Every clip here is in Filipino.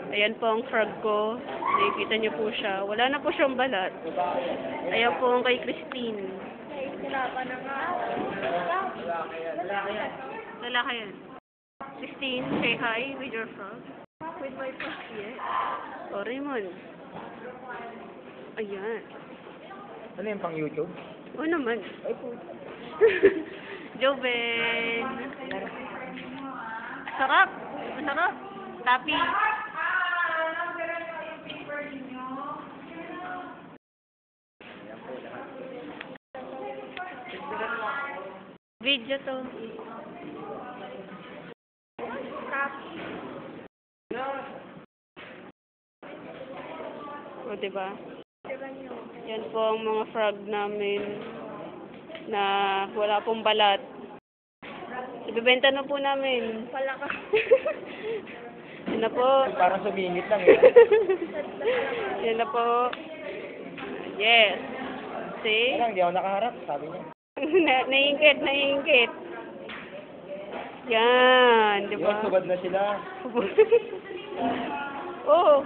Ayan po ang frog ko. Nakikita niyo po siya. Wala na po siyang balat. Ayan po ang kay Christine. Lalaki yan. Christine, say hi with your frog. With my frog, yes. O, Raymond. Ayan. Ano yung pang YouTube? O naman. Ay po. Joven. Sarap. Masarap. Tapi. Video to. O, diba? Yan po ang mga frog namin na wala pong balat. Ibibenta na po namin. Palaka. Yan na po. Parang sumingit lang eh. Yan na po. Yes. See? Parang hindi ako nakaharap, sabi niya. Naiingkit. Yan, di Yun, ba? subad na sila. Oh.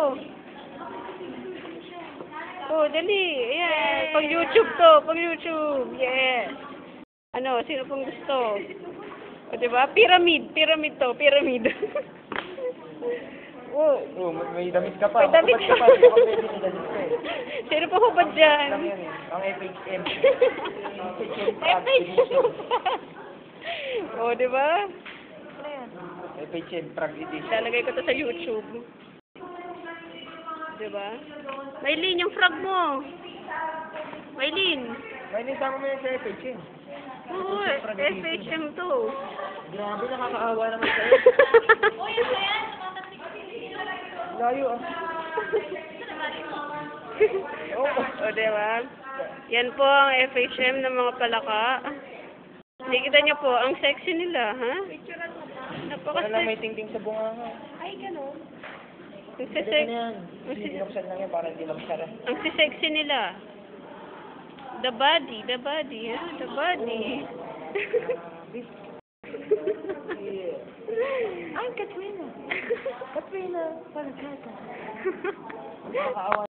Oh, dali. Ayan. Pag YouTube to. Pag YouTube. Yes. Ano, sino pong gusto? O, diba? Pyramid to. Pyramid. Oh. Oh, may damit ka pa. May damit Hubad ka pa. Hindi ako pwede ng damit ko eh. Sino po hubad dyan? Lang yan eh. Ang FHM. FHM. Oh, diba? FHM Prague Edition. Lalagay ko to sa YouTube. Diba? Maylin, yung frog mo. Maylin. May nisama mo yan sa FHM. Oo, FHM to. Grabe, nakakaawa naman sa'yo. Layo ah. O, diba? Yan po ang FHM ng mga palaka. Nakikita niyo po, ang sexy nila, ha? Wala lang may tingting sa bunga nga. Ay, gano'n. Ang Pwede sisek... na yan. Hindi binuksan lang yan para hindi magsara. Ang sisexy nila. The body, ha? The body. Ay, Katrina! Katrina! Parang kata. Nakakaawa.